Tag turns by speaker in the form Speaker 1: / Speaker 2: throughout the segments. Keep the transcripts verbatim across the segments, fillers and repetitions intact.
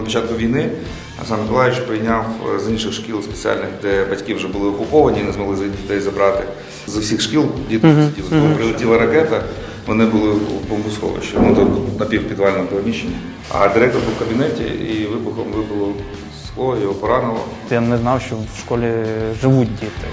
Speaker 1: На початку війни Олександр Миколаївич прийняв з інших шкіл спеціальних, де батьки вже були окуповані і не змогли дітей забрати. З усіх шкіл діти сиділи. Коли прилетіла ракета, вони були в бомбосховищі, ну, тут напівпідвальному приміщенні. А директор був в кабінеті і вибухом вибило скло, його поранило.
Speaker 2: Я не знав, що в школі живуть діти.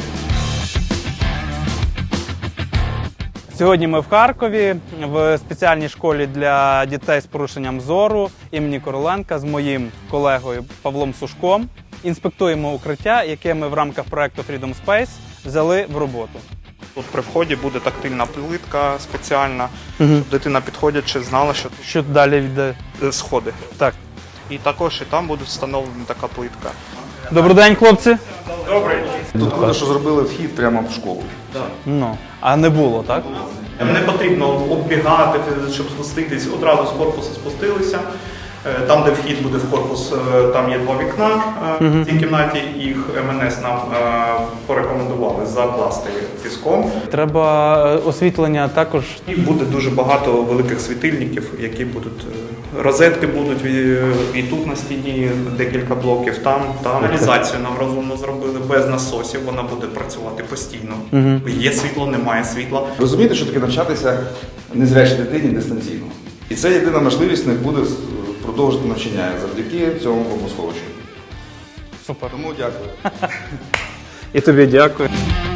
Speaker 2: Сьогодні ми в Харкові, в спеціальній школі для дітей з порушенням зору імені Короленка з моїм колегою Павлом Сушком. Інспектуємо укриття, яке ми в рамках проєкту Freedom Space взяли в роботу.
Speaker 3: Тут при вході буде тактильна плитка спеціальна, угу. щоб дитина підходячи знала, що
Speaker 2: Що далі йде?
Speaker 3: Сходи.
Speaker 2: Так.
Speaker 3: І також і там буде встановлена така плитка.
Speaker 2: Добрий день, хлопці.
Speaker 3: Добрий.
Speaker 1: Тут круто, що зробили вхід прямо в школу.
Speaker 3: Так.
Speaker 2: Ну, а не було, так?
Speaker 3: Не потрібно оббігати, щоб спуститись, одразу з корпусу спустилися. Там, де вхід буде в корпус, там є два вікна в цій кімнаті, їх ем ен ес нам порекомендували закласти піском.
Speaker 2: Треба освітлення також.
Speaker 3: І буде дуже багато великих світильників, які будуть, розетки будуть і тут на стіні декілька блоків, там, там. Каналізацію нам розумно зробили, без насосів, вона буде працювати постійно. Угу. Є світло, немає світла.
Speaker 1: Розумієте, що таке навчатися незрячій дитині дистанційно. І це єдина можливість в них буде продовжити навчання завдяки цьому бомбосховищу.
Speaker 2: Супер.
Speaker 1: Тому дякую.
Speaker 2: І тобі дякую.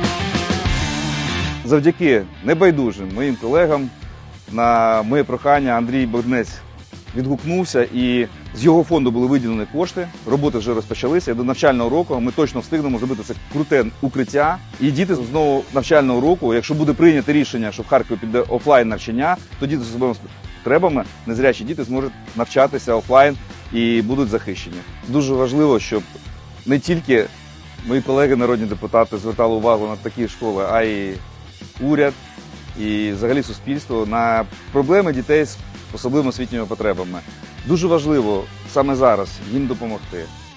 Speaker 4: Завдяки небайдужим моїм колегам на моє прохання Андрій Богданець відгукнувся, і з його фонду були виділені кошти, роботи вже розпочалися, і до навчального року ми точно встигнемо зробити це круте укриття. І діти з нового навчального року, якщо буде прийнято рішення, що в Харкові піде офлайн навчання, то діти з особливими потребами, незрячі діти зможуть навчатися офлайн і будуть захищені. Дуже важливо, щоб не тільки мої колеги народні депутати звертали увагу на такі школи, а й уряд і взагалі суспільство на проблеми дітей з особливими освітніми потребами. Дуже важливо саме зараз їм допомогти.